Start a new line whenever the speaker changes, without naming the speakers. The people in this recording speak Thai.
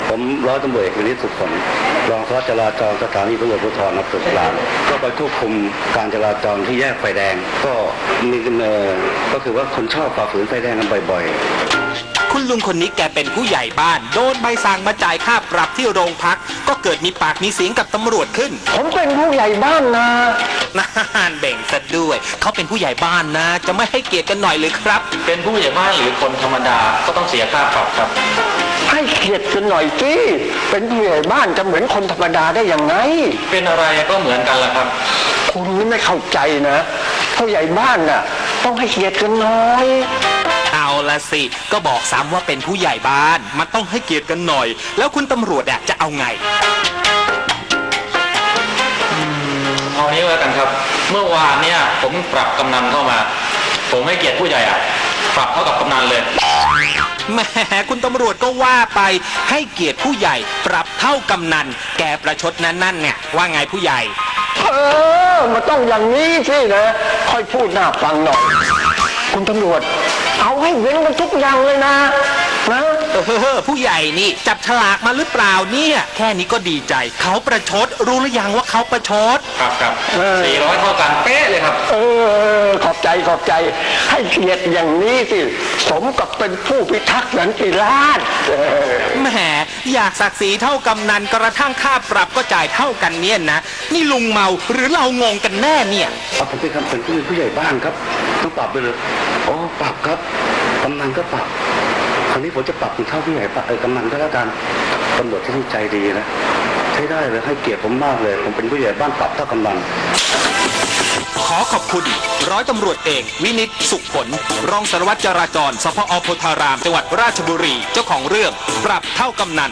ผมร้อยตำรวจเอกวินิจสุขผลรองสารวัตรจราจรสถานีตำรวจภูธรน้ำตกกลางก็ไปควบคุมการจราจรที่แยกไฟแดงก็มีก็คือว่าคนชอบฝ่าฝืนไฟแดงกันบ่อยๆ
คุณลุงคนนี้แกเป็นผู้ใหญ่บ้านโดนใบสั่งมาจ่ายค่าปรับที่โรงพักก็เกิดมีปากมีเสียงกับตำรวจขึ้น
ผมเป็นผู้ใหญ่บ้านนะ
นานเบ่งซะด้วยเขาเป็นผู้ใหญ่บ้านนะจะไม่ให้เกียรติกันหน่อยเลยครับ
เป็นผู้ใหญ่บ้านหรือคนธรรมดาก็ต้องเสียค่าปรับครับ
ให้เกียรติกันหน่อยสิเป็นผู้ใหญ่บ้านจะเหมือนคนธรรมดาได้ยังไง
เป็นอะไรก็เหมือนกันล่ะครับ
คุณนี่ไม่เข้าใจนะผู้ใหญ่บ้านน่ะต้องให้เกียรติกันหน่อย
เอาละสิก็บอกซ้ำว่าเป็นผู้ใหญ่บ้านมันต้องให้เกียรติกันหน่อยแล้วคุณตำรวจจะเอาไง
เอานี้แล้วกันครับเมื่อวานเนี่ยผมปรับกำนันเข้ามาผมให้เกียรติผู้ใหญ่ปรับเท่ากับกำนันเลย
แหมคุณตำรวจก็ว่าไปให้เกียรติผู้ใหญ่ปรับเท่ากำนันแกประชดนั่นเนี่ยว่าไงผู้ใหญ่
มันต้องอย่างนี้สินะค่อยพูดน่าฟังหน่อยคุณตำรวจเอาให้เว้นกันทุกอย่างเลยนะ
ผู้ใหญ่นี่จับฉลากมาหรือเปล่าเนี่ยแค่นี้ก็ดีใจเขาประชดรู้หรือยังว่าเขาประชด
ครับ400เท่ากันเป๊ะเลยครับ
ขอบใจให้เกียรติอย่างนี้สิสมกับเป็นผู้พิทักษ์สันติราษฎร์
แหมอยากศักดิ์ศรีเท่ากำนันกระทั่งค่าปรับก็จ่ายเท่ากันเนี่ยนะนี่ลุงเมาหรือเรางงกันแน่เนี่ย
ผมเป็นผู้ใหญ่บ้านครับต้องปรับไปเลยอ๋อปรับครับกำนันก็ปรับคราวนี้ผมจะปรับเท่าผู้ใหญ่กำนันก็แล้วกันตำรวจที่ใจดีนะใช้ได้เลยให้เกียรติผมมากเลยผมเป็นผู้ใหญ่บ้านปรับเท่ากำนัน
ขอขอบคุณร้อยตำรวจเอกวินิจสุขผลรองสารวัตรจราจรสพ.โพธารามจังหวัดราชบุรีเจ้าของเรื่องปรับเท่ากำนัน